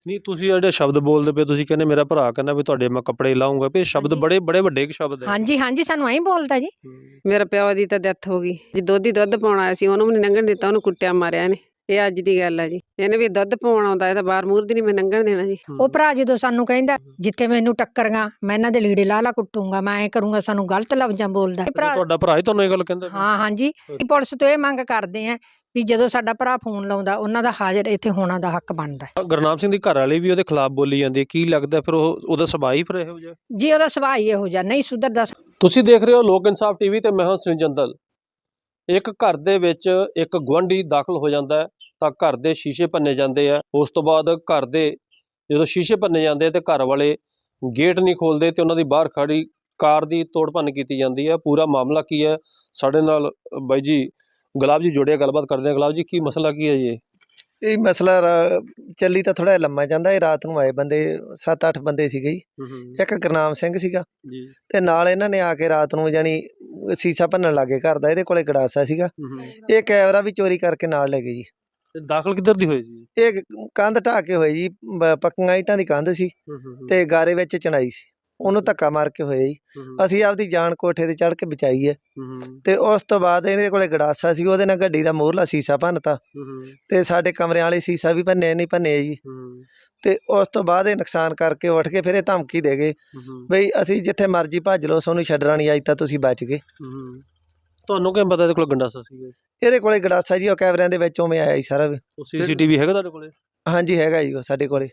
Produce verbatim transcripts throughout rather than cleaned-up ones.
ਨਹੀਂ ਤੁਸੀਂ ਜਿਹੜੇ ਸ਼ਬਦ ਬੋਲਦੇ ਪਏ ਤੁਸੀਂ ਕਹਿੰਦੇ ਮੇਰਾ ਭਰਾ ਕਹਿੰਦਾ ਵੀ ਤੁਹਾਡੇ ਮੈਂ ਕੱਪੜੇ ਲਾਉਂਗਾ ਵੀ ਇਹ ਸ਼ਬਦ ਹਾਂਜੀ। ਬੜੇ ਬੜੇ ਵੱਡੇ ਕੁ ਸ਼ਬਦ ਹੈ। ਹਾਂਜੀ ਹਾਂਜੀ ਸਾਨੂੰ ਐਂ ਬੋਲਦਾ ਜੀ। ਹੂੰ। ਮੇਰੇ ਪਿਓ ਦੀ ਤਾਂ ਡੈਥ ਹੋ ਗਈ ਜੀ। ਦੁੱਧ ਹੀ ਦੁੱਧ ਪਾਉਣ ਆਇਆ ਸੀ, ਉਹਨੂੰ ਵੀ ਨੀ ਲੰਘਣ ਦਿੱਤਾ, ਉਹਨੂੰ ਕੁੱਟਿਆ ਮਾਰਿਆ ਇਹਨੇ। ਇਹ ਅੱਜ ਦੀ ਗੱਲ ਆ ਜੀ। ਇਹਨੇ ਵੀ ਦੁੱਧ ਪਾਉਣ ਆਉਂਦਾ, ਇਹ ਤਾਂ ਬਾਹਰ ਮੂਹਰ ਦੀ ਨੀ ਮੈਂ ਲੰਘਣ ਦੇਣਾ ਜੀ। ਉਹ ਭਰਾ ਜਦੋਂ ਸਾਨੂੰ ਕਹਿੰਦਾ ਜਿੱਥੇ ਮੈਨੂੰ ਟੱਕਰਗਾ ਮੈਂ ਇਹਨਾਂ ਦੇ ਲੀੜੇ ਲਾ ਲਾ ਕੁੱਟੂੰਗਾ, ਮੈਂ ਐਂ ਕਰੂੰਗਾ, ਸਾਨੂੰ ਗਲਤ ਲਫ਼ਜ਼ਾਂ ਬੋਲਦਾ ਇਹ ਭਰਾ। ਤੁਹਾਡਾ ਭਰਾ ਹੀ ਤੁਹਾਨੂੰ ਇਹ ਗੱਲ ਕਹਿੰਦਾ ਪਿਆ? ਹਾਂ ਹਾਂਜੀ ਅਸੀਂ ਪੁਲਿਸ ਤੋਂ ਇਹ ਮੰਗ ਕਰਦੇ ਆ ਵੀ ਜਦੋਂ ਸਾਡਾ ਭਰਾ ਫੋਨ ਲਾਉਂਦਾ ਉਹਨਾਂ ਦਾ ਹਾਜ਼ਰ ਇੱਥੇ ਹੋਣਾ ਦਾ ਹੱਕ ਬਣਦਾ ਹੈ। ਗੁਰਨਾਮ ਸਿੰਘ ਦੀ ਘਰ ਵਾਲੀ ਵੀ ਉਹਦੇ ਖਿਲਾਫ ਬੋਲੀ ਜਾਂਦੀ ਹੈ, ਕੀ ਲੱਗਦਾ ਫਿਰ ਉਹ ਉਹਦਾ ਸੁਭਾਅ ਹੀ ਫਿਰ ਇਹੋ ਜਿਹਾ? ਜੀ ਉਹਦਾ ਸੁਭਾਅ ਹੀ ਇਹੋ ਜਿਹਾ, ਨਹੀਂ ਸੁਧਰਦਾ। ਤੁਸੀਂ ਦੇਖ ਰਹੇ ਹੋ ਲੋਕ ਇਨਸਾਫ ਟੀਵੀ ਤੇ ਮੈਂ ਹਾਂ ਸ੍ਰੀਜੰਦਲ। ਇੱਕ ਘਰ ਦੇ ਵਿੱਚ ਇੱਕ ਗੁਆਂਢੀ ਦਾਖਲ ਹੋ ਜਾਂਦਾ ਹੈ ਤਾਂ ਘਰ ਦੇ ਸ਼ੀਸ਼ੇ ਭੰਨੇ ਜਾਂਦੇ ਆ। ਉਸ ਤੋਂ ਬਾਅਦ ਘਰ ਦੇ ਜਦੋਂ ਸ਼ੀਸ਼ੇ ਭੰਨੇ ਜਾਂਦੇ ਤੇ ਘਰ ਵਾਲੇ ਗੇਟ ਨਹੀਂ ਖੋਲਦੇ ਤੇ ਉਹਨਾਂ ਦੀ ਬਾਹਰ ਖੜੀ ਕਾਰ ਦੀ ਤੋੜ ਭੰਨ ਕੀਤੀ ਜਾਂਦੀ ਹੈ। ਪੂਰਾ ਮਾਮਲਾ ਕੀ ਹੈ ਸਾਡੇ ਨਾਲ ਬਾਈ ਜੀ ਗੁਲਾਬ ਜੀ ਜੁੜਿਆ, ਗੱਲਬਾਤ ਕਰਦੇ ਆ। ਗੁਲਾਬ ਜੀ ਕੀ ਮਸਲਾ ਕੀ ਹੈ ਜੀ? ਇਹ ਮਸਲਾ ਰਾ- ਚੱਲੀ ਤਾਂ ਥੋੜਾ ਲੰਮਾ ਜਾਂਦਾ। ਇਹ ਰਾਤ ਨੂੰ ਆਏ ਬੰਦੇ, ਸੱਤ ਅੱਠ ਬੰਦੇ ਸੀਗੇ ਜੀ। ਇੱਕ ਗੁਰਨਾਮ ਸਿੰਘ ਸੀਗਾ ਜੀ ਤੇ ਨਾਲ ਇਹਨਾਂ ਨੇ ਆ ਕੇ ਰਾਤ ਨੂੰ ਜਾਣੀ ਸੀਸਾ ਭੰਨਣ ਲੱਗੇ ਘਰ ਦਾ। ਇਹਦੇ ਕੋਲੇ ਗੜਾਸਾ ਸੀਗਾ, ਇਹ ਕੈਮਰਾ ਵੀ ਚੋਰੀ ਕਰਕੇ ਨਾਲ ਲੈ ਗਏ ਜੀ। ਤੇ ਦਾਖਲ ਕਿੱਧਰ ਦੀ ਹੋਈ ਜੀ? ਇਹ ਕੰਧ ਢਾਹ ਕੇ ਹੋਏ ਜੀ, ਬ- ਪੱਕੀਆਂ ਇੱਟਾਂ ਦੀ ਕੰਧ ਸੀ ਤੇ ਗਾਰੇ ਵਿੱਚ ਚਣਾਈ ਸੀ, ਉਹਨੂੰ ਧੱਕਾ ਮਾਰ ਕੇ ਹੋਏ ਜੀ। ਅਸੀਂ ਆਪਦੀ ਜਾਨ ਕੋਠੇ ਤੇ ਚੜ੍ਹ ਕੇ ਬਚਾਈ ਹੈ। ਤੇ ਉਸ ਤੋਂ ਬਾਅਦ ਇਹਦੇ ਕੋਲੇ ਗੜਾਸਾ ਸੀ, ਉਹਦੇ ਨਾਲ ਗੱਡੀ ਦਾ ਮੋਹਰਲਾ ਸੀਸਾ ਭੰਨਤਾ ਤੇ ਸਾਡੇ ਕਮਰਿਆਂ ਵਾਲੇ ਸੀਸਾ ਵੀ ਭੰਨੇ ਨਹੀਂ ਭੰਨੇ ਜੀ। ਤੇ ਉਸ ਤੋਂ ਬਾਅਦ ਇਹ ਨੁਕਸਾਨ ਕਰਕੇ ਉੱਠ ਕੇ ਫਿਰ ਇਹ ਧਮਕੀ ਦੇ ਗਏ ਬਈ ਅਸੀਂ ਜਿੱਥੇ ਮਰਜ਼ੀ ਭੱਜ ਲਓ, ਸਾਨੂੰ ਛੱਡਣਾ ਨਹੀਂ, ਅੱਜ ਤਾਂ ਤੁਸੀਂ ਬਚ ਗਏ। ਤੁਹਾਨੂੰ ਕਿਵੇਂ ਪਤਾ ਇਹਦੇ ਕੋਲ ਗੰਡਾਸਾ ਸੀਗਾ? ਇਹਦੇ ਕੋਲੇ ਗੜਾਸਾ ਜੀ, ਉਹ ਕੈਮਰਿਆਂ ਦੇ ਵਿੱਚ ਉਵੇਂ ਆਇਆ ਜੀ ਸਾਰਾ। ਉਹ ਸੀਸੀਟੀਵੀ ਹੈਗਾ ਤੁਹਾਡੇ ਕੋਲੇ? ਹਾਂਜੀ ਹੈਗਾ ਜੀ ਉਹ ਸਾਡੇ ਕੋਲੇ।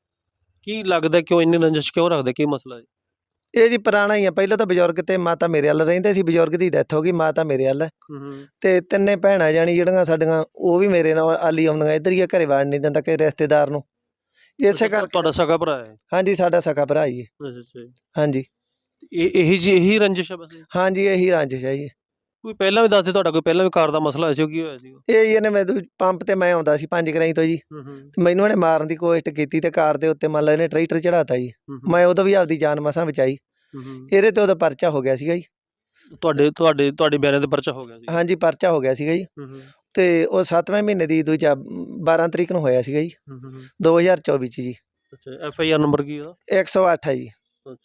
ਕੀ ਲੱਗਦਾ ਕਿਉਂ ਇੰਨੀ ਰੰਜਿਸ਼ ਕਿਉਂ ਰੱਖਦੇ, ਕੀ ਮਸਲਾ ਹੈ? ਇਹ ਜੀ ਪੁਰਾਣਾ ਹੀ ਆ। ਪਹਿਲਾਂ ਤਾਂ ਬਜ਼ੁਰਗ ਤੇ ਮਾਤਾ ਮੇਰੇ ਵੱਲ ਰਹਿੰਦੇ ਸੀ, ਬਜ਼ੁਰਗ ਦੀ ਡੈਥ ਹੋ ਗਈ, ਮਾਤਾ ਮੇਰੇ ਵੱਲ ਹੈ ਤੇ ਤਿੰਨੇ ਭੈਣਾਂ ਜਾਣੀ ਜਿਹੜੀਆਂ ਸਾਡੀਆਂ ਉਹ ਵੀ ਮੇਰੇ ਨਾਲ ਆਲੀ ਆਉਂਦੀਆਂ। ਇੱਧਰ ਹੀ ਆ, ਘਰੇ ਵੜ ਨਹੀਂ ਦਿੰਦਾ ਕਿ ਰਿਸ਼ਤੇਦਾਰ ਨੂੰ। ਇਸੇ ਕਰਕੇ ਤੁਹਾਡਾ ਸਕਾ ਭਰਾ ਹੈ? ਹਾਂਜੀ ਸਾਡਾ ਸਕਾ ਭਰਾ ਜੀ। ਅੱਛਾ ਅੱਛਾ। ਹਾਂਜੀ ਇਹ ਇਹੀ ਜੀ ਇਹੀ ਰੰਜਿਸ਼ ਹੈ ਬਸ? ਹਾਂਜੀ ਇਹੀ ਰੰਜਿਸ਼ ਹੈ ਜੀ। ਕੋਈ ਪਹਿਲਾਂ ਵੀ ਦੱਸਦੇ ਤੁਹਾਡਾ ਕੋਈ ਪਹਿਲਾਂ ਵੀ ਕਾਰ ਦਾ ਮਸਲਾ ਹੋਇਆ ਸੀ, ਉਹ ਕੀ ਹੋਇਆ ਸੀ? ਇਹ ਜੀ ਇਹਨੇ ਮੈਨੂੰ ਪੰਪ ਤੇ ਮੈਂ ਆਉਂਦਾ ਸੀ ਪੰਜ ਗਰਾਈ ਤੋਂ ਜੀ, ਤੇ ਮੈਨੂੰ ਇਹਨੇ ਮਾਰਨ ਦੀ ਕੋਸ਼ਿਸ਼ ਕੀਤੀ ਤੇ ਕਾਰ ਦੇ ਉੱਤੇ ਮੰਨ ਲਓ ਇਹਨੇ ਟਰੈਕਟਰ ਚੜਾਤਾ ਜੀ। ਮੈਂ ਉਦੋਂ ਵੀ ਆਪਦੀ ਜਾਨ ਮਸਾਂ ਬਚਾਈ। ਇਹਦੇ ਤੇ ਉਹਦਾ ਪਰਚਾ ਹੋ ਗਿਆ ਸੀਗਾ ਜੀ। ਤੁਹਾਡੇ ਤੁਹਾਡੇ ਤੁਹਾਡੇ ਬਿਆਨਾਂ ਤੇ ਪਰਚਾ ਹੋ ਗਿਆ ਸੀ? ਹਾਂਜੀ ਪਰਚਾ ਹੋ ਗਿਆ ਸੀਗਾ ਜੀ। ਤੇ ਉਹ ਸੱਤਵੇਂ ਮਹੀਨੇ ਦੀ ਦੂਜਾ ਬਾਰਾਂ ਤਰੀਕ ਨੂੰ ਹੋਇਆ ਸੀਗਾ ਜੀ, ਦੋ ਹਜ਼ਾਰ ਚੌਵੀ ਚ ਜੀ। ਅੱਛਾ। ਐਫ ਆਈ ਆਰ ਨੰਬਰ ਕੀ ਉਹਦਾ? ਇੱਕ ਸੌ ਅੱਠ ਹੈ ਜੀ।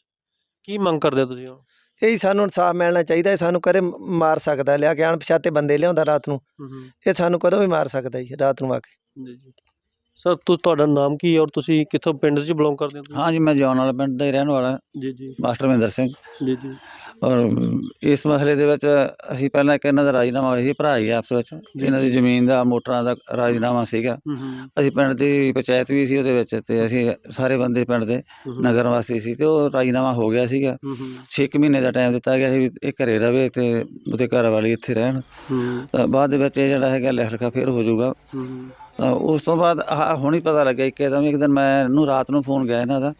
ਕੀ ਮੰਗ ਕਰਦੇ ਤੁਸੀਂ ਹੁਣ? ਇਹ ਸਾਨੂੰ ਇਨਸਾਫ ਮਿਲਣਾ ਚਾਹੀਦਾ ਹੈ। ਸਾਨੂੰ ਕਦੇ ਮਾਰ ਸਕਦਾ, ਲਿਆ ਕੇ ਅਣਪਛਾਤੇ ਬੰਦੇ ਲਿਆਉਂਦਾ ਰਾਤ ਨੂੰ, ਇਹ ਸਾਨੂੰ ਕਦੋਂ ਵੀ ਮਾਰ ਸਕਦਾ ਜੀ ਰਾਤ ਨੂੰ ਆ ਕੇ। ਜੀ ਜੀ ਸਰ, ਤੁ ਤੁਹਾਡਾ ਨਾਮ ਕੀ ਹੈ ਔਰ ਤੁਸੀਂ ਕਿੱਥੋਂ ਪਿੰਡ 'ਚ ਬਿਲੋਂਗ ਕਰਦੇ ਹੋ? हाँ जी, मैं जौन वाले पिंड ਦਾ ਹੀ ਰਹਿਣ ਵਾਲਾ ਜੀ ਜੀ ਮਾਸਟਰ ਮਹਿੰਦਰ ਸਿੰਘ। ਜੀ ਜੀ ਔਰ ਇਸ ਮਸਲੇ ਦੇ ਵਿੱਚ ਅਸੀਂ ਪਹਿਲਾਂ ਇੱਕ ਇਹਨਾਂ ਦਾ ਰਾਜੀਨਾਮਾ ਹੋਇਆ ਸੀ, ਭਰਾ ਹੀ ਆਪਸ ਵਿੱਚ। ਇਹਨਾਂ ਦੀ ਜ਼ਮੀਨ ਦਾ ਮੋਟਰਾਂ ਦਾ ਰਾਜੀਨਾਮਾ ਸੀਗਾ। ਅਸੀਂ ਪਿੰਡ ਦੀ ਪੰਚਾਇਤ ਵੀ ਸੀ ਉਹਦੇ ਵਿੱਚ, ਤੇ ਅਸੀਂ ਸਾਰੇ ਬੰਦੇ ਪਿੰਡ ਦੇ ਨਗਰ ਵਾਸੀ ਸੀ, ਤੇ ਉਹ ਰਾਜੀਨਾਮਾ ਹੋ ਗਿਆ ਸੀਗਾ। ਛੇ ਕੁ ਮਹੀਨੇ ਦਾ ਟਾਈਮ ਦਿੱਤਾ ਗਿਆ ਸੀ ਵੀ ਇਹ ਘਰੇ ਰਵੇ ਤੇ ਉਹਦੇ ਘਰ ਵਾਲੀ ਇੱਥੇ ਰਹਿਣ। ਤਾਂ ਬਾਅਦ ਦੇ ਵਿੱਚ ਇਹ ਜਿਹੜਾ ਹੈਗਾ ਲਿਖ ਲਿਖਾ ਫਿਰ ਹੋ ਜਾਊਗਾ। ਤਾਂ ਉਸ ਤੋਂ ਬਾਅਦ ਆਹ ਹੁਣ ਹੀ ਪਤਾ ਲੱਗਿਆ ਇੱਕਦਮ। ਇੱਕ ਦਿਨ ਮੈਨੂੰ ਰਾਤ ਨੂੰ ਫੋਨ ਗਿਆ ਇਹਨਾਂ ਦਾ,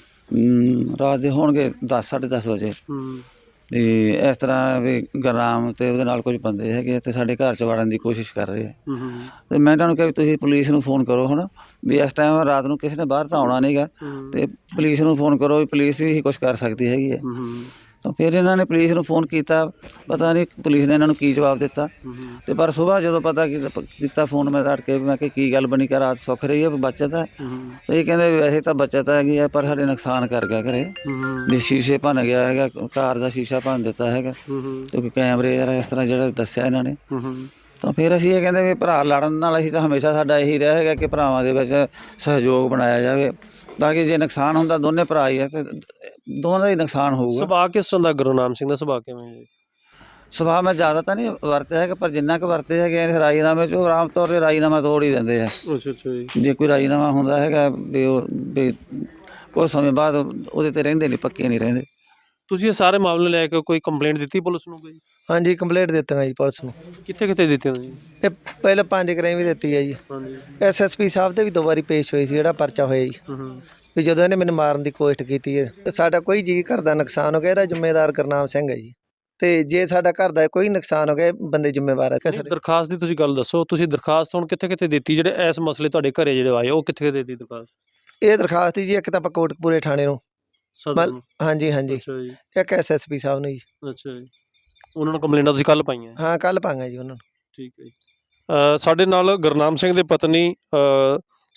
ਰਾਤ ਦੇ ਹੋਣਗੇ ਦਸ ਸਾਢੇ ਦਸ ਵਜੇ, ਵੀ ਇਸ ਤਰ੍ਹਾਂ ਵੀ ਗੁਰਨਾਮ ਤੇ ਉਹਦੇ ਨਾਲ ਕੁਝ ਬੰਦੇ ਹੈਗੇ ਤੇ ਸਾਡੇ ਘਰ 'ਚ ਵੜਨ ਦੀ ਕੋਸ਼ਿਸ਼ ਕਰ ਰਹੇ ਆ। ਤੇ ਮੈਂ ਤੁਹਾਨੂੰ ਕਿਹਾ ਵੀ ਤੁਸੀਂ ਪੁਲਿਸ ਨੂੰ ਫੋਨ ਕਰੋ ਹੁਣ, ਵੀ ਇਸ ਟਾਈਮ ਰਾਤ ਨੂੰ ਕਿਸੇ ਨੇ ਬਾਹਰ ਤਾਂ ਆਉਣਾ ਨਹੀਂ ਗਾ, ਤੇ ਪੁਲਿਸ ਨੂੰ ਫੋਨ ਕਰੋ, ਵੀ ਪੁਲਿਸ ਹੀ ਕੁਛ ਕਰ ਸਕਦੀ ਹੈਗੀ ਹੈ। ਤਾਂ ਫਿਰ ਇਹਨਾਂ ਨੇ ਪੁਲਿਸ ਨੂੰ ਫੋਨ ਕੀਤਾ, ਪਤਾ ਨਹੀਂ ਪੁਲਿਸ ਨੇ ਇਹਨਾਂ ਨੂੰ ਕੀ ਜਵਾਬ ਦਿੱਤਾ। ਤੇ ਪਰ ਸੁਬਾਹ ਜਦੋਂ ਪਤਾ ਕੀਤਾ ਕੀਤਾ ਫੋਨ ਮੈਂ ਤੜਕੇ, ਮੈਂ ਕਿਹਾ ਕੀ ਗੱਲ ਬਣੀ, ਕਿ ਰਾਤ ਸੁੱਖ ਰਹੀ ਹੈ, ਬੱਚਤ ਹੈ? ਤੇ ਇਹ ਕਹਿੰਦੇ ਵੀ ਵੈਸੇ ਤਾਂ ਬੱਚਤ ਹੈਗੀ ਹੈ, ਪਰ ਸਾਡੇ ਨੁਕਸਾਨ ਕਰ ਗਿਆ ਘਰੇ, ਵੀ ਸ਼ੀਸ਼ੇ ਭੰਨ ਗਿਆ ਹੈਗਾ, ਕਾਰ ਦਾ ਸ਼ੀਸ਼ਾ ਭੰਨ ਦਿੱਤਾ ਹੈਗਾ, ਕਿਉਂਕਿ ਕੈਮਰੇ ਯਾਰ ਇਸ ਤਰ੍ਹਾਂ ਜਿਹੜਾ ਦੱਸਿਆ ਇਹਨਾਂ ਨੇ। ਤਾਂ ਫਿਰ ਅਸੀਂ ਇਹ ਕਹਿੰਦੇ ਵੀ ਭਰਾ ਲੜਨ ਨਾਲ ਅਸੀਂ ਤਾਂ ਹਮੇਸ਼ਾ ਸਾਡਾ ਇਹੀ ਰਿਹਾ ਹੈਗਾ ਕਿ ਭਰਾਵਾਂ ਦੇ ਵਿੱਚ ਸਹਿਯੋਗ ਬਣਾਇਆ ਜਾਵੇ, ਤਾਂ ਕਿ ਜੇ ਨੁਕਸਾਨ ਹੁੰਦਾ ਦੋਨੇ ਭਰਾ ਹੀ ਹੈ ਤੇ ਦੋਵਾਂ ਦਾ ਹੀ ਨੁਕਸਾਨ ਹੋਊਗਾ। ਸੁਭਾਅ ਕਿਸ ਤਰ੍ਹਾਂ ਦਾ ਗੁਰਨਾਮ ਸਿੰਘ ਦਾ ਸੁਭਾਅ ਕਿਵੇਂ ਹੈ? ਸੁਭਾਅ ਮੈਂ ਜ਼ਿਆਦਾ ਤਾਂ ਨਹੀਂ ਵਰਤਿਆ ਹੈਗਾ, ਪਰ ਜਿੰਨਾ ਕੁ ਵਰਤੇ ਹੈਗੇ ਇਸ ਰਾਜੀਨਾਮੇ 'ਚ ਉਹ ਆਮ ਤੌਰ 'ਤੇ ਰਾਜੀਨਾਮਾ ਤੋੜ ਹੀ ਦਿੰਦੇ ਆ। ਅੱਛਾ ਅੱਛਾ ਜੀ। ਜੇ ਕੋਈ ਰਾਜੀਨਾਮਾ ਹੁੰਦਾ ਹੈਗਾ ਵੀ ਉਹ ਵੀ ਕੁਝ ਸਮੇਂ ਬਾਅਦ ਉਹਦੇ 'ਤੇ ਰਹਿੰਦੇ ਨਹੀਂ, ਪੱਕੇ ਨਹੀਂ ਰਹਿੰਦੇ। ਤੁਸੀਂ ਇਹ ਸਾਰੇ ਮਾਮਲੇ ਲੈ ਕੇ ਕੋਈ ਕੰਪਲੇਂਟ ਦਿੱਤੀ ਪੁਲਿਸ ਨੂੰ? ਕੋਈ ਹਾਂਜੀ ਕੰਪਲੇਂਟ ਦਿੱਤੀਆਂ ਜੀ ਪੁਲਿਸ ਨੂੰ। ਕਿੱਥੇ ਕਿੱਥੇ ਦਿੱਤੀ ਜੀ? ਇਹ ਪਹਿਲਾਂ ਪੰਜ ਗਰਾਈ ਵੀ ਦਿੱਤੀ ਹੈ ਜੀ। ਹਾਂਜੀ। ਐਸ ਐਸ ਪੀ ਸਾਹਿਬ ਦੇ ਵੀ ਦੋ ਵਾਰੀ ਪੇਸ਼ ਹੋਈ ਸੀ, ਜਿਹੜਾ ਪਰਚਾ ਹੋਇਆ ਜੀ, ਵੀ ਜਦੋਂ ਇਹਨੇ ਮੈਨੂੰ ਮਾਰਨ ਦੀ ਕੋਸ਼ਿਸ਼ ਕੀਤੀ ਹੈ। ਸਾਡਾ ਕੋਈ ਜੀ ਘਰ ਦਾ ਨੁਕਸਾਨ ਹੋ ਗਿਆ, ਇਹਦਾ ਜ਼ਿੰਮੇਦਾਰ ਗੁਰਨਾਮ ਸਿੰਘ ਹੈ ਜੀ। ਤੇ ਜੇ ਸਾਡਾ ਘਰ ਦਾ ਕੋਈ ਨੁਕਸਾਨ ਹੋ ਗਿਆ, ਬੰਦੇ ਜ਼ਿੰਮੇਵਾਰ ਹੈ। ਦਰਖਾਸਤ ਦੀ ਤੁਸੀਂ ਗੱਲ ਦੱਸੋ, ਤੁਸੀਂ ਦਰਖਾਸਤ ਹੁਣ ਕਿੱਥੇ ਕਿੱਥੇ ਦਿੱਤੀ? ਜਿਹੜੇ ਇਸ ਮਸਲੇ ਤੁਹਾਡੇ ਘਰੇ ਜਿਹੜੇ ਆਏ ਉਹ ਕਿੱਥੇ ਕਿੱਥੇ ਦਿੱਤੀ ਦਰਖਾਸਤ? ਇਹ ਦਰਖਾਸਤ ਜੀ ਇੱਕ ਤਾਂ ਆਪਾਂ ਕੋਟਕਪੂਰੇ ਥਾਣੇ ਨੂੰ, ਹਾਂਜੀ ਹਾਂਜੀ, ਅੱਛਾ ਜੀ। ਇੱਕ ਐਸ ਐਸ ਪੀ ਸਾਹਿਬ ਨੂੰ ਜੀ। ਅੱਛਾ ਜੀ। ਉਹਨਾਂ ਨੂੰ ਕੰਪਲੇਂਟਾਂ ਤੁਸੀਂ ਕੱਲ੍ਹ ਪਾਈਆਂ? ਹਾਂ ਕੱਲ੍ਹ ਪਾਂਗਾ ਜੀ ਉਹਨਾਂ ਨੂੰ। ਠੀਕ ਹੈ ਜੀ। ਸਾਡੇ ਨਾਲ ਗੁਰਨਾਮ ਸਿੰਘ ਦੇ ਪਤਨੀ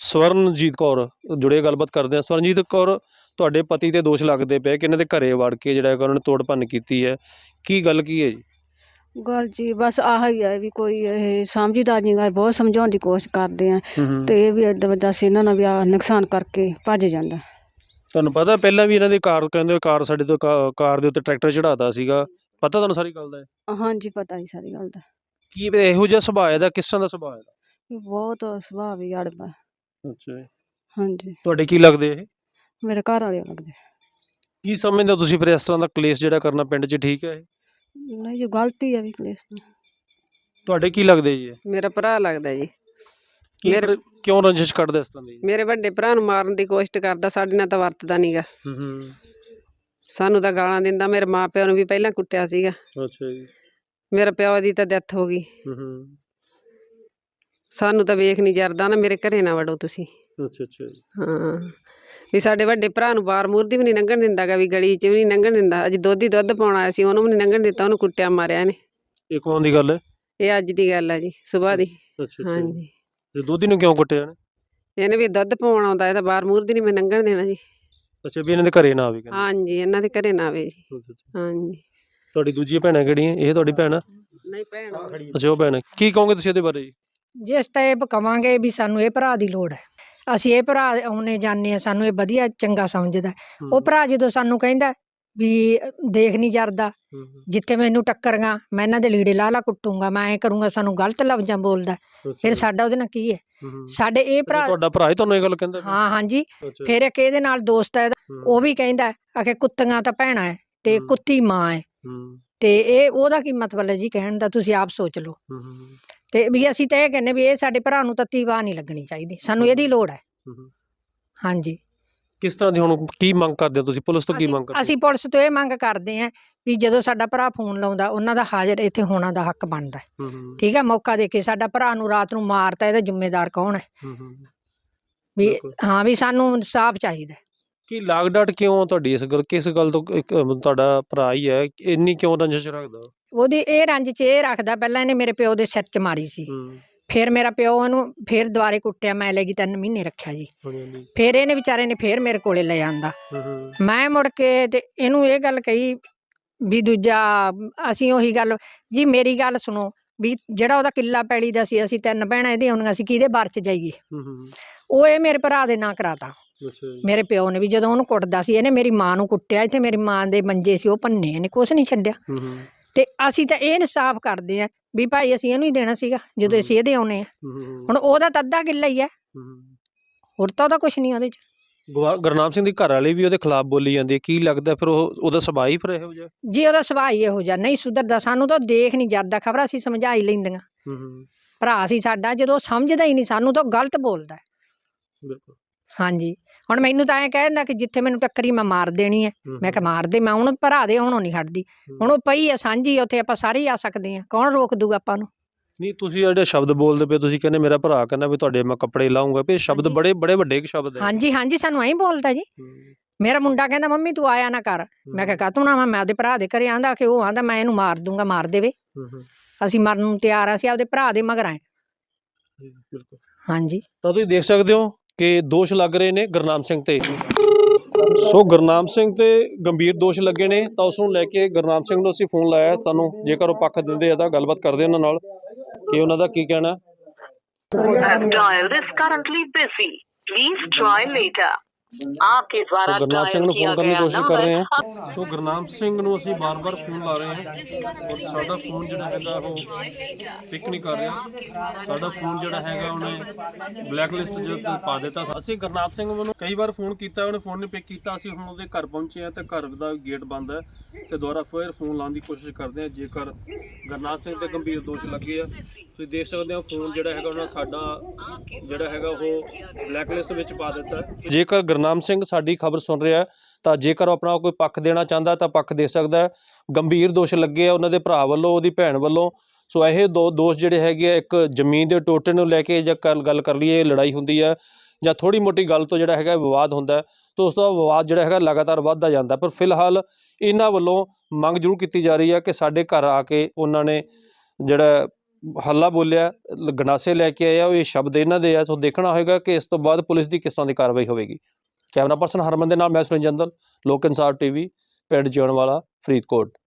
ਸਵਰਨਜੀਤ ਕੌਰ ਜੁੜੇ ਗੱਲਬਾਤ ਕਰਦੇ ਹਾਂ। ਸਵਰਨਜੀਤ ਕੌਰ, ਤੁਹਾਡੇ ਪਤੀ ਤੇ ਦੋਸ਼ ਲੱਗਦੇ ਪਏ ਕਿ ਇਹਨਾਂ ਦੇ ਘਰੇ ਵੜ ਕੇ ਜਿਹੜਾ ਹੈਗਾ ਉਹਨਾਂ ਨੇ ਤੋੜ ਭੰਨ ਕੀਤੀ ਹੈ, ਕੀ ਗੱਲ ਕੀ ਹੈ ਜੀ? ਗੱਲ ਜੀ ਬਸ ਆਹ ਹੀ ਹੈ ਵੀ ਕੋਈ ਇਹ ਸਮਝਦਾ ਨਹੀਂ ਗਾ, ਬਹੁਤ ਸਮਝਾਉਣ ਦੀ ਕੋਸ਼ਿਸ਼ ਕਰਦੇ ਆ ਤੇ ਇਹ ਵੀ ਐਡਾ ਵੱਡਾ ਸੀ ਇਹਨਾਂ ਨਾਲ ਵੀ ਆਹ ਨੁਕਸਾਨ ਕਰਕੇ ਭੱਜ ਜਾਂਦਾ। ਤੁਹਾਨੂੰ ਪਤਾ ਪਹਿਲਾਂ ਵੀ ਇਹਨਾਂ ਦੀ ਕਾਰ ਕਹਿੰਦੇ ਕਾਰ ਸਾਡੇ ਤੋਂ ਕਾ- ਕਾਰ ਦੇ ਉੱਤੇ ਟਰੈਕਟਰ ਚੜਾਤਾ ਸੀਗਾ, ਪਤਾ ਤੁਹਾਨੂੰ ਸਾਰੀ ਗੱਲ ਦਾ? ਹਾਂਜੀ ਪਤਾ ਹੀ ਸਾਰੀ ਗੱਲ ਦਾ। ਕੀ ਇਹੋ ਜਿਹਾ ਸੁਭਾਅ ਦਾ, ਕਿਸ ਤਰ੍ਹਾਂ ਦਾ ਸੁਭਾਅ ਦਾ? ਵੀ ਬਹੁਤ ਸੁਭਾਅ ਵੀ ਅੜਬਾ। ਅੱਛਾ ਜੀ। ਹਾਂਜੀ ਤੁਹਾਡੇ ਕੀ ਲੱਗਦੇ ਇਹ? ਮੇਰੇ ਘਰ ਵਾਲੇ ਲੱਗਦੇ। ਕੀ ਸਮਝਦੇ ਹੋ ਤੁਸੀਂ ਫਿਰ ਇਸ ਤਰ੍ਹਾਂ ਦਾ ਕਲੇਸ਼ ਜਿਹੜਾ ਕਰਨਾ ਪਿੰਡ 'ਚ ਠੀਕ ਹੈ ਇਹ? ਨਹੀਂ ਜੀ ਗਲਤੀ ਹੈ ਵੀ ਕਲੇਸ਼ ਤੋਂ। ਤੁਹਾਡੇ ਕੀ ਲੱਗਦੇ ਜੀ ਇਹ? ਮੇਰਾ ਭਰਾ ਲੱਗਦਾ ਜੀ। ਕੀ ਮੇਰੇ- ਫਿਰ ਕਿਉਂ ਰੰਜਿਸ਼ ਕੱਢਦੇ ਇਸ ਤਰ੍ਹਾਂ ਦੀ? ਮੇਰੇ ਵੱਡੇ ਭਰਾ ਨੂੰ ਮਾਰਨ ਦੀ ਕੋਸ਼ਿਸ਼ ਕਰਦਾ, ਸਾਡੇ ਨਾਲ ਤਾਂ ਵਰਤਦਾ ਨਹੀਂਗਾ। ਹੂੰ ਹੂੰ। ਸਾਨੂੰ ਤਾਂ ਗਾਲਾਂ ਦਿੰਦਾ, ਮੇਰੇ ਮਾਂ ਪਿਓ ਨੂੰ ਵੀ ਪਹਿਲਾਂ ਕੁੱਟਿਆ ਸੀਗਾ। ਅੱਛਾ ਜੀ। ਮੇਰੇ ਪਿਓ ਦੀ ਤਾਂ ਡੈਥ ਹੋ ਗਈ। ਹੂੰ ਹੂੰ। ਸਾਨੂੰ ਤਾਂ ਵੇਖ ਨਹੀਂ ਜਰਦਾ ਨਾ, ਮੇਰੇ ਘਰੇ ਨਾ ਵੜੋ ਤੁਸੀਂ। ਅੱਛਾ ਅੱਛਾ ਜੀ। ਹਾਂ ਵੀ ਸਾਡੇ ਵੱਡੇ ਭਰਾ ਨੂੰ ਬਾਰ ਮੂਰ ਦੀ ਵੀ ਨਹੀਂ ਲੰਘਣ ਦਿੰਦਾ ਗਾ, ਵੀ ਗਲੀ 'ਚ ਵੀ ਨਹੀਂ ਲੰਘਣ ਦਿੰਦਾ। ਅੱਜ ਦੁੱਧ ਹੀ ਦੁੱਧ ਪਾਉਣ ਆਇਆ ਸੀ, ਉਹਨੂੰ ਵੀ ਨਹੀਂ ਲੰਘਣ ਦਿੱਤਾ, ਉਹਨੂੰ ਕੁੱਟਿਆ ਮਾਰਿਆ ਇਹਨੇ। ਇਹ ਕੌਣ ਦੀ ਗੱਲ ਹੈ? ਇਹ ਅੱਜ ਦੀ ਗੱਲ ਆ ਜੀ, ਸੁਬਾਹ ਦੀ। ਅੱਛਾ ਅੱਛਾ। ਹਾਂਜੀ ਤੇ ਦੋਧੀ ਨੂੰ ਕਿਉਂ ਕੁੱਟਿਆ ਨੇ? ਇਹਨੇ ਵੀ ਦੁੱਧ ਪਾਉਣ ਆਉਂਦਾ, ਇਹ ਤਾਂ ਬਾਰ ਮੂਰ ਦੀ ਨਹੀਂ ਮੈਂ ਲੰਘਣ ਦੇਣਾ ਜੀ। ਅੱਛਾ, ਵੀ ਇਹਨਾਂ ਦੇ ਘਰੇ ਨਾ ਆਵੇ ਕਹਿੰਦੇ। ਹਾਂਜੀ ਇਹਨਾਂ ਦੇ ਘਰੇ ਨਾ ਆਵੇ ਜੀ। ਅੱਛਾ, ਅੱਛਾ। ਹਾਂਜੀ ਤੁਹਾਡੀ ਦੂਜੀਆਂ ਭੈਣਾਂ ਕਿਹੜੀਆਂ? ਇਹ ਤੁਹਾਡੀ ਭੈਣ ਆ? ਨਹੀਂ ਭੈਣ ਅੱਛਾ, ਉਹ ਭੈਣ। ਕੀ ਕਹੋਗੇ ਤੁਸੀਂ ਇਹਦੇ ਬਾਰੇ ਜੀ? ਜਿਸ ਤਾਂ ਇਹ ਕਵਾਂਗੇ ਵੀ ਸਾਨੂੰ ਇਹ ਭਰਾ ਦੀ ਲੋੜ ਹੈ, ਅਸੀਂ ਇਹ ਭਰਾ ਆਉਣੇ ਜਾਂਦੇ ਆ, ਸਾਨੂੰ ਇਹ ਵਧੀਆ ਚੰਗਾ ਸਮਝਦਾ। ਉਹ ਭਰਾ ਜਦੋਂ ਸਾਨੂੰ ਕਹਿੰਦਾ ਵੀ ਦੇਖ ਨਹੀਂ ਜਰਦਾ, ਹੂੰ, ਹੂੰ। ਜਿੱਥੇ ਮੈਨੂੰ ਟੱਕਰਾਂ ਮੈਂ ਇਹਨਾਂ ਦੇ ਲੀੜੇ ਲਾ ਲਾ ਕੁੱਟੂੰਗਾ, ਮੈਂ ਐਂ ਕਰੂੰਗਾ, ਸਾਨੂੰ ਗਲਤ ਲਫ਼ਜ਼ਾਂ ਬੋਲਦਾ, ਅੱਛਾ ਫਿਰ ਜੀ। ਸਾਡਾ ਉਹਦੇ ਨਾਲ ਕੀ ਹੈ? ਹੂੰ, ਹੂੰ। ਸਾਡੇ ਇਹ ਅੱਛਾ, ਭਰਾ ਤੁਹਾਡਾ ਭਰਾ ਹੀ ਤੁਹਾਨੂੰ ਇਹ ਗੱਲ ਕਹਿੰਦਾ? ਹਾਂ ਹਾਂਜੀ। ਅੱਛਾ। ਫਿਰ ਇੱਕ ਇਹਦੇ ਨਾਲ ਦੋਸਤ ਹੈ ਇਹਦਾ, ਹੂੰ, ਉਹ ਵੀ ਕਹਿੰਦਾ ਆਖੇ ਕੁੱਤੀਆਂ ਤਾਂ ਭੈਣਾਂ ਹੈ ਤੇ ਹੂੰ। ਕੁੱਤੀ ਮਾਂ ਹੈ, ਹੂੰ, ਤੇ ਇਹ ਉਹਦਾ ਕੀ ਮਤਲਬ ਹੈ ਜੀ ਕਹਿਣ ਦਾ? ਤੁਸੀਂ ਆਪ ਸੋਚ ਲਓ। ਹੂੰ, ਹੂੰ, ਤੇ ਵੀ ਅਸੀਂ ਤਾਂ ਇਹ ਕਹਿੰਦੇ ਵੀ ਇਹ ਸਾਡੇ ਭਰਾ ਨੂੰ ਤੱਤੀ ਵਾਹ ਨਹੀਂ ਲੱਗਣੀ ਚਾਹੀਦੀ, ਸਾਨੂੰ ਇਹਦੀ ਲੋੜ ਹੈ। ਹੂੰ, ਹੂੰ। ਹਾਂਜੀ ਕਿਸ ਤਰ੍ਹਾਂ ਦੀ ਹੁਣ ਕੀ ਮੰਗ ਕਰਦੇ ਹੋ ਤੁਸੀਂ? ਪੁਲਿਸ ਤੋਂ ਕੀ ਅਸੀਂ- ਮੰਗ ਕਰਦੇ ਹੋ? ਅਸੀਂ ਪੁਲਿਸ ਤੋਂ ਇਹ ਮੰਗ ਕਰਦੇ ਹਾਂ ਵੀ ਜਦੋਂ ਸਾਡਾ ਭਰਾ ਫੋਨ ਲਾਉਂਦਾ, ਉਹਨਾਂ ਦਾ ਹਾਜ਼ਰ ਇੱਥੇ ਹੋਣਾ ਦਾ ਹੱਕ ਬਣਦਾ ਹੈ। ਹੂੰ, ਹੂੰ, ਠੀਕ ਹੈ, ਮੌਕਾ ਦੇ ਕੇ ਸਾਡਾ ਭਰਾ ਨੂੰ ਰਾਤ ਨੂੰ ਮਾਰਤਾ, ਇਹਦਾ ਜ਼ਿੰਮੇਦਾਰ ਕੌਣ ਹੈ? ਹੂੰ, ਹੂੰ। ਵੀ ਬਿਲਕੁਲ। ਹਾਂ ਵੀ ਸਾਨੂੰ ਇਨਸਾਫ ਚਾਹੀਦਾ ਹੈ। ਕੀ ਲਾਗ ਡਾਟ ਕਿਉਂ ਤੁਹਾਡੀ ਇਸ ਗੱਲ, ਕਿਸ ਗੱਲ ਤੋਂ? ਇੱਕ ਅਮ, ਤੁਹਾਡਾ ਭਰਾ ਹੀ ਹੈ, ਇੰਨੀ ਕਿਉਂ ਰੰਜਿਸ਼ ਰੱਖਦਾ? ਉਹਦੀ ਇਹ ਰੰਜ ਚ ਇਹ ਰੱਖਦਾ, ਪਹਿਲਾਂ ਇਹਨੇ ਮੇਰੇ ਪਿਓ ਦੇ ਸਿਰ ਚ ਮਾਰੀ ਸੀ, ਹੂੰ, ਫਿਰ ਮੇਰਾ ਪਿਓ ਉਹਨੂੰ ਫਿਰ ਦੁਬਾਰੇ ਕੁੱਟਿਆ, ਮੈਂ ਲੈ ਗਈ, ਤਿੰਨ ਮਹੀਨੇ ਰੱਖਿਆ ਜੀ। ਹਾਂਜੀ, ਹਾਂਜੀ। ਫਿਰ ਇਹਨੇ ਵਿਚਾਰੇ ਨੇ ਫਿਰ ਮੇਰੇ ਕੋਲੇ ਲੈ ਆਂਦਾ, ਹੂੰ, ਹੂੰ। ਮੈਂ ਮੁੜ ਕੇ ਤੇ ਇਹਨੂੰ ਇਹ ਗੱਲ ਕਹੀ ਵੀ ਦੂਜਾ ਅਸੀਂ ਉਹੀ ਗੱਲ ਜੀ, ਮੇਰੀ ਗੱਲ ਸੁਣੋ ਵੀ ਜਿਹੜਾ ਉਹਦਾ ਕਿੱਲਾ ਪੈਲੀ ਦਾ ਸੀ, ਅਸੀਂ ਤਿੰਨ ਭੈਣਾਂ ਇਹਦੀਆਂ ਹੁੰਦੀਆਂ ਸੀ, ਕਿਹਦੇ ਬਾਰ ਚ ਜਾਈਏ? ਹੂੰ, ਹੂੰ। ਉਹ ਇਹ ਮੇਰੇ ਭਰਾ ਦੇ ਨਾਂ ਕਰਾਤਾ, ਅੱਛਾ ਜੀ। ਮੇਰੇ ਪਿਓ ਨੇ ਵੀ ਜਦੋਂ ਉਹਨੂੰ ਕੁੱਟਦਾ ਸੀ, ਇਹਨੇ ਮੇਰੀ ਮਾਂ ਨੂੰ ਕੁੱਟਿਆ, ਇੱਥੇ ਮੇਰੀ ਮਾਂ ਦੇ ਮੰਜੇ ਸੀ ਉਹ ਭੰਨੇ, ਇਹਨੇ ਕੁਛ ਨਹੀਂ ਛੱਡਿਆ। ਹੂੰ, ਹੂੰ। ਤੇ ਅਸੀਂ ਤਾਂ ਇਹ ਇਨਸਾਫ ਕਰਦੇ ਆ ਵੀ ਭਾਈ ਅਸੀਂ ਇਹਨੂੰ ਹੀ ਦੇਣਾ ਸੀਗਾ ਜਦੋਂ ਅਸੀਂ ਇਹਦੇ ਆਉਣੇ ਆ। ਹੂੰ, ਹੂੰ, ਹੂੰ। ਹੁਣ ਉਹਦਾ ਤਾਂ ਅੱਧਾ ਕਿੱਲਾ ਹੀ ਹੈ, ਹੂੰ। ਹੋਰ ਤਾਂ ਉਹਦਾ ਕੁਛ ਨਹੀਂ ਉਹਦੇ ਚ। ਗੁਆ- ਗੁਰਨਾਮ ਸਿੰਘ ਦੀ ਘਰ ਵਾਲੀ ਵੀ ਉਹਦੇ ਖਿਲਾਫ ਬੋਲੀ ਜਾਂਦੀ ਹੈ, ਕੀ ਲੱਗਦਾ ਫਿਰ ਉਹ ਉਹਦਾ ਸੁਭਾਅ ਹੀ ਫਿਰ ਇਹੋ ਜਿਹਾ? ਜੀ ਉਹਦਾ ਸੁਭਾਅ ਹੀ ਇਹੋ ਜਿਹਾ, ਨਹੀਂ ਸੁਧਰਦਾ, ਸਾਨੂੰ ਤਾਂ ਦੇਖ ਨਹੀਂ ਜਾਂਦਾ, ਖਬਰ ਅਸੀਂ ਸਮਝਾ ਹੀ ਲੈਂਦੀਆਂ। ਹੂੰ, ਹੂੰ। ਭਰਾ ਸੀ ਸਾਡਾ, ਜਦੋਂ ਉਹ ਸਮਝਦਾ ਹੀ ਨਹੀਂ ਸਾਨੂੰ ਤਾਂ ਉਹ ਗਲਤ ਬੋਲਦਾ ਹੈ। ਬਿਲਕੁਲ। ਹਾਂਜੀ, ਹੁਣ ਮੈਨੂੰ ਤਾਂ ਐਂ ਕਹਿ ਦਿੰਦਾ ਕਿ ਜਿੱਥੇ ਮੈਨੂੰ ਟੱਕਰੀ ਮੈਂ ਮਾਰ ਦੇਣੀ ਹੈ, ਹੂੰ, ਮੈਂ ਕਿਹਾ ਮਾਰ ਦੇ, ਮੈਂ ਹੁਣ ਭਰਾ ਦੇ ਆਉਣੋਂ ਨਹੀਂ ਹਟਦੀ। ਹੁਣ ਉਹ ਪਈ ਆ ਸਾਂਝੀ, ਉੱਥੇ ਆਪਾਂ ਸਾਰੇ ਹੀ ਆ ਸਕਦੇ ਹਾਂ, ਕੌਣ ਰੋਕ ਦੂਗਾ ਆਪਾਂ ਨੂੰ? ਨਹੀਂ, ਤੁਸੀਂ ਜਿਹੜੇ ਸ਼ਬਦ ਬੋਲਦੇ ਪਏ, ਤੁਸੀਂ ਕਹਿੰਦੇ ਮੇਰਾ ਭਰਾ ਕਹਿੰਦਾ ਵੀ ਤੁਹਾਡੇ ਮੈਂ ਕੱਪੜੇ ਲਾਉਂਗਾ, ਵੀ ਇਹ ਸ਼ਬਦ ਹਾਂਜੀ। ਬੜੇ ਬੜੇ ਵੱਡੇ ਸ਼ਬਦ ਹੈ। ਹਾਂਜੀ ਹਾਂਜੀ, ਸਾਨੂੰ ਐਂ ਬੋਲਦਾ ਜੀ। ਹੂੰ, ਮੇਰਾ ਮੁੰਡਾ ਕਹਿੰਦਾ ਮੰਮੀ ਤੂੰ ਆਇਆ ਨਾ ਕਰ, ਮੈਂ ਕਿਹਾ ਕਾਹਤੋਂ ਨਾ, ਮੈਂ ਆਪਦੇ ਭਰਾ ਦੇ ਘਰੇ ਆਂਦਾ ਕਿ ਉਹ ਆਂਦਾ ਮੈਂ ਇਹਨੂੰ ਮਾਰ ਦੂੰਗਾ, ਮਾਰ ਦੇਵੇ, ਹੂੰ, ਹੂੰ। ਅਸੀਂ ਮਰਨ ਨੂੰ ਤਿਆਰ ਆ, ਅਸੀਂ ਆਪਦੇ ਭਰਾ ਦੇ ਮਗਰ ਆਏ। ਜੀ, ਬਿਲਕੁਲ। ਹਾਂਜੀ ਤਾਂ ਤੁਸੀਂ ਦੇਖ ਸਕਦੇ ਹੋ ਕਿ ਦੋਸ਼ ਲੱਗ ਰਹੇ ਨੇ ਗੁਰਨਾਮ ਸਿੰਘ ਤੇ। ਸੋ ਗੁਰਨਾਮ ਸਿੰਘ ਤੇ ਗੰਭੀਰ ਦੋਸ਼ ਲੱਗੇ ਨੇ, ਤਾਂ ਉਸ ਨੂੰ ਲੈ ਕੇ ਗੁਰਨਾਮ ਸਿੰਘ ਨੂੰ ਅਸੀਂ ਫੋਨ ਲਾਇਆ। ਸਾਨੂੰ ਜੇਕਰ ਉਹ ਪੱਖ ਦਿੰਦੇ ਆ ਤਾਂ ਗੱਲਬਾਤ ਕਰਦੇ ਉਹਨਾਂ ਨਾਲ ਕਿ ਉਹਨਾਂ ਦਾ ਕੀ ਕਹਿਣਾ। have dialed is currently busy. Please try later. आपके द्वारा तो गुरनाम सिंह डायल ਨੂੰ किया ਫੋਨ ਕਰਨ ਦੀ गया ਕੋਸ਼ਿਸ਼ ਕਰ ਰਹੇ नंबर ਹਾਂ। ਸੋ ਗੁਰਨਾਮ ਸਿੰਘ ਨੂੰ ਅਸੀਂ ਬਾਰ-ਬਾਰ ਫੋਨ ਲਾ ਰਹੇ ਹਾਂ ਔਰ ਸਾਡਾ ਫੋਨ ਜਿਹੜਾ ਹੈਗਾ ਉਹ ਪਿਕ ਨਹੀਂ ਕਰ ਰਿਹਾ। ਸਾਡਾ ਫੋਨ ਜਿਹੜਾ ਹੈਗਾ ਉਹਨੇ ਬਲੈਕ ਲਿਸਟ 'ਚ ਪਾ ਦਿੱਤਾ। ਅਸੀਂ ਗੁਰਨਾਮ ਸਿੰਘ ਨੂੰ ਕਈ ਵਾਰ ਫੋਨ ਕੀਤਾ, ਉਹਨੇ ਫੋਨ ਨਹੀਂ ਪਿਕ ਕੀਤਾ। ਅਸੀਂ ਹੁਣ ਉਹਦੇ ਘਰ ਪਹੁੰਚੇ ਹਾਂ ਤੇ ਘਰ ਦਾ ਗੇਟ ਬੰਦ ਹੈ ਤੇ ਦੁਬਾਰਾ ਫਿਰ ਫੋਨ ਲਾਉਣ ਦੀ ਕੋਸ਼ਿਸ਼ ਕਰਦੇ ਹਾਂ ਜੇਕਰ ਗੁਰਨਾਮ ਸਿੰਘ ਤੇ ਗੰਭੀਰ ਦੋਸ਼ ਲੱਗੇ ਆ। ਤੁਸੀਂ ਦੇਖ ਸਕਦੇ ਹੋ ਫੋਨ ਜਿਹੜਾ ਹੈਗਾ ਉਹਨਾਂ ਸਾਡਾ ਜਿਹੜਾ ਹੈਗਾ ਉਹ ਬਲੈਕ ਲਿਸਟ ਵਿੱਚ ਪਾ ਦਿੱਤਾ। ਜੇਕਰ ਗੁਰਨਾਮ ਸਿੰਘ ਸਾਡੀ ਖਬਰ ਸੁਣ ਰਿਹਾ ਤਾਂ ਜੇਕਰ ਉਹ ਆਪਣਾ ਕੋਈ ਪੱਖ ਦੇਣਾ ਚਾਹੁੰਦਾ ਤਾਂ ਪੱਖ ਦੇ ਸਕਦਾ। ਗੰਭੀਰ ਦੋਸ਼ ਲੱਗੇ ਆ ਉਹਨਾਂ ਦੇ ਭਰਾ ਵੱਲੋਂ, ਉਹਦੀ ਭੈਣ ਵੱਲੋਂ। ਸੋ ਇਹ ਦੋ ਦੋਸ਼ ਜਿਹੜੇ ਹੈਗੇ ਆ, ਇੱਕ ਜ਼ਮੀਨ ਦੇ ਟੋਟੇ ਨੂੰ ਲੈ ਕੇ ਜਾਂ ਗੱਲ ਗੱਲ ਕਰ ਲਈਏ ਲੜਾਈ ਹੁੰਦੀ ਹੈ ਜਾਂ ਥੋੜ੍ਹੀ ਮੋਟੀ ਗੱਲ ਤੋਂ ਜਿਹੜਾ ਹੈਗਾ ਵਿਵਾਦ ਹੁੰਦਾ ਤਾਂ ਉਸ ਤੋਂ ਵਿਵਾਦ ਜਿਹੜਾ ਹੈਗਾ ਲਗਾਤਾਰ ਵੱਧਦਾ ਜਾਂਦਾ। ਪਰ ਫਿਲਹਾਲ ਇਹਨਾਂ ਵੱਲੋਂ ਮੰਗ ਜ਼ਰੂਰ ਕੀਤੀ ਜਾ ਰਹੀ ਹੈ ਕਿ ਸਾਡੇ ਘਰ ਆ ਕੇ ਉਹਨਾਂ ਨੇ ਜਿਹੜਾ ਹੱਲਾ ਬੋਲਿਆ, ਲ- ਗੰਡਾਸੇ ਲੈ ਕੇ ਆਇਆ, ਉਹ ਇਹ ਸ਼ਬਦ ਇਹਨਾਂ ਦੇ ਆ। ਸੋ ਦੇਖਣਾ ਹੋਏਗਾ ਕਿ ਇਸ ਤੋਂ ਬਾਅਦ ਪੁਲਿਸ ਦੀ ਕਿਸ ਤਰ੍ਹਾਂ ਦੀ ਕਾਰਵਾਈ ਹੋਵੇਗੀ। ਕੈਮਰਾ ਪਰਸਨ ਹਰਮਨ ਦੇ ਨਾਲ ਮੈਂ ਸੁਰਿੰਦਰ ਜੰਦਲ, ਲੋਕ ਇਨਸਾਫ ਟੀਵੀ, ਪਿੰਡ ਜਿਉਣ ਵਾਲਾ, ਫਰੀਦਕੋਟ।